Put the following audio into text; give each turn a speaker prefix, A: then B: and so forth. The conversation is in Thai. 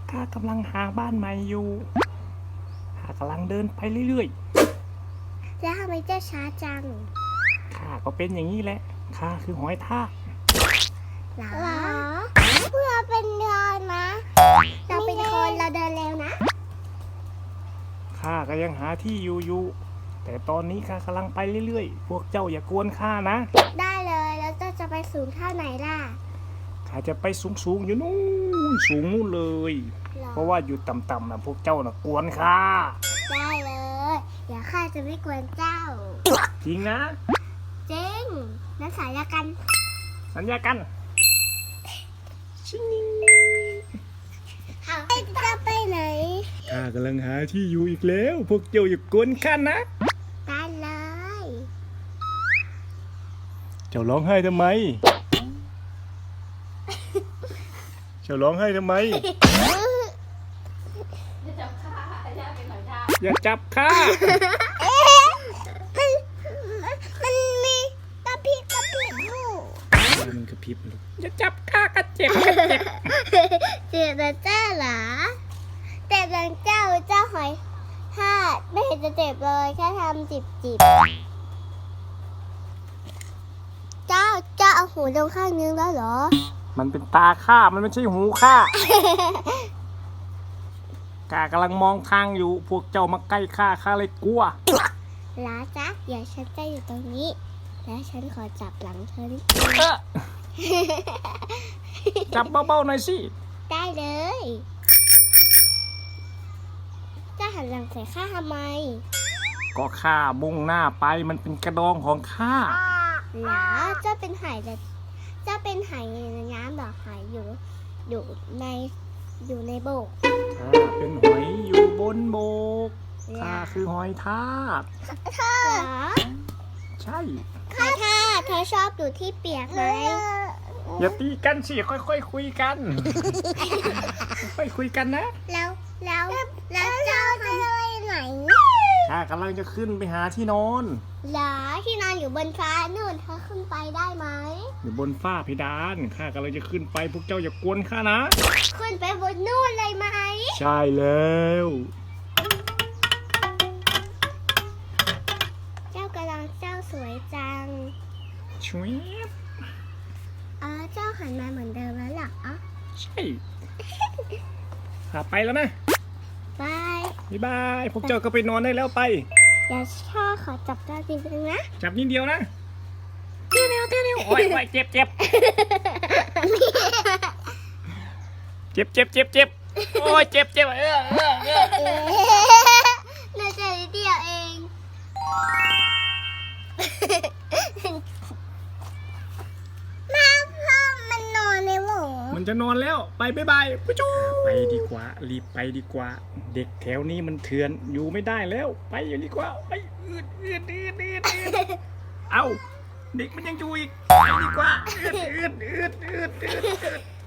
A: ข้ากำลังหาบ้านใหม่อยู่ข้ากำลังเดินไปเรื่อย
B: แล้วทำไมเจ้าช้าจัง
A: ๆข้าก็เป็นอย่างนี้แหละข้าคือหอยทาก
B: หรอเพื่อเป็นเดินนะเราเป็นคนเราเดินเร็วนะ
A: ข้าก็ยังหาที่อยู่แต่ตอนนี้ข้ากำลังไปเรื่อยๆพวกเจ้าอย่ากวนข้านะ
B: ได้เลยแล้วเจ้าจะไปสูงเท่าไหนล่ะ
A: ข้าจะไปสูงอยู่นู่นสูงนู่นเลยเพราะว่าอยู่ต่ำๆนะพวกเจ้าน่ะกวนข้า
B: ได้เลยเดี๋ยวข้าจะไม่กวนเจ้า
A: จริงนะ
B: จริงนั้นสัญญากัน
A: ชิง
B: จะไปไหน
A: ข้ากำลังหาที่อยู่อีกแล้วพวกเจ้าอย่ากวนข้านะ
B: ได้เลย
A: เจ้าร้องไห้ทำไมเจ้าร้องไห้ทำไมอย่าจับข้า
B: มันมีกระพริบอยู่
A: มันกระพริบลูกอย่าจับข้าก็เจ็บ
B: เจ็บนะเจ้าเหรอแต่บางเจ้าหอยทากไม่เห็นจะเจ็บเลยแค่ทำจิบเจ้าเอาหูลงข้างนึงแล้วเหรอ
A: มันเป็นตาข้ามันไม่ใช่หูข้า ข้ากำลังมองทางอยู่พวกเจ้ามาใกล้ข้าเลยกลัว
B: ลาจ๊ะเดี๋ยวฉันจะอยู่ตรงนี้แล้วฉันขอจับหลังเธอนิด
A: จับเบาๆหน่อยสิ
B: ได้เลยจะหันหลังใส่ข้าทำไม
A: ก็ข้ามุ่งหน้าไปมันเป็นกระดองของข้า
B: หรอเจ้าเป็นไหแต่เจ้าเป็นไหในน้ำหรอไหอยู่ในโบก
A: ข้าเป็นหอยอยู่บนโบกข้าคือหอยทาก
B: เธอ
A: ใช่
B: เธอชอบอยู่ที่เปียกไหม
A: อย่าตีกันสิค่อยๆคุยกันค่อยคุยกันนะ
B: แล้วเจ้าจะไปไหน
A: ข้ากำลังจะขึ้นไปหาที่นอน
B: เหรอที่นอนอยู่บนฟ้านู่นเธอขึ้นไปได้ไหม
A: อยู่บนฝ้าเพดานข้ากำลังจะขึ้นไปพวกเจ้าอย่ากวนข้านะ
B: ขึ้นไปบนนู่นเลยไหม
A: ใช่แล้ว
B: เจ้าสวยจัง
A: ช่วย
B: เจ้าหันมาเหมือนเดิมแล้วหรอ
A: ใช่ข้าไปแล้วนะบายพวกเจ้าก็ไปนอนได้แล้วไป
B: เดี๋ยวข้าขอจับตาจริงๆนะ
A: จับนิดเดียวนะเตี้ยวโอ้ยเจ็บโอ้ยเจ็บ
B: น่าจะนิดเดียวเองพ่อมันนอนในหมู
A: มันจะนอนแล้วไปบายไปดีกว่ารีบไปดีกว่าเด็กแถวนี้มันเถื่อนอยู่ไม่ได้แล้วไปอยู่ดีกว่าไปอืดเอาเด็กมันยังอยู่อีกไปดีกว่าอืด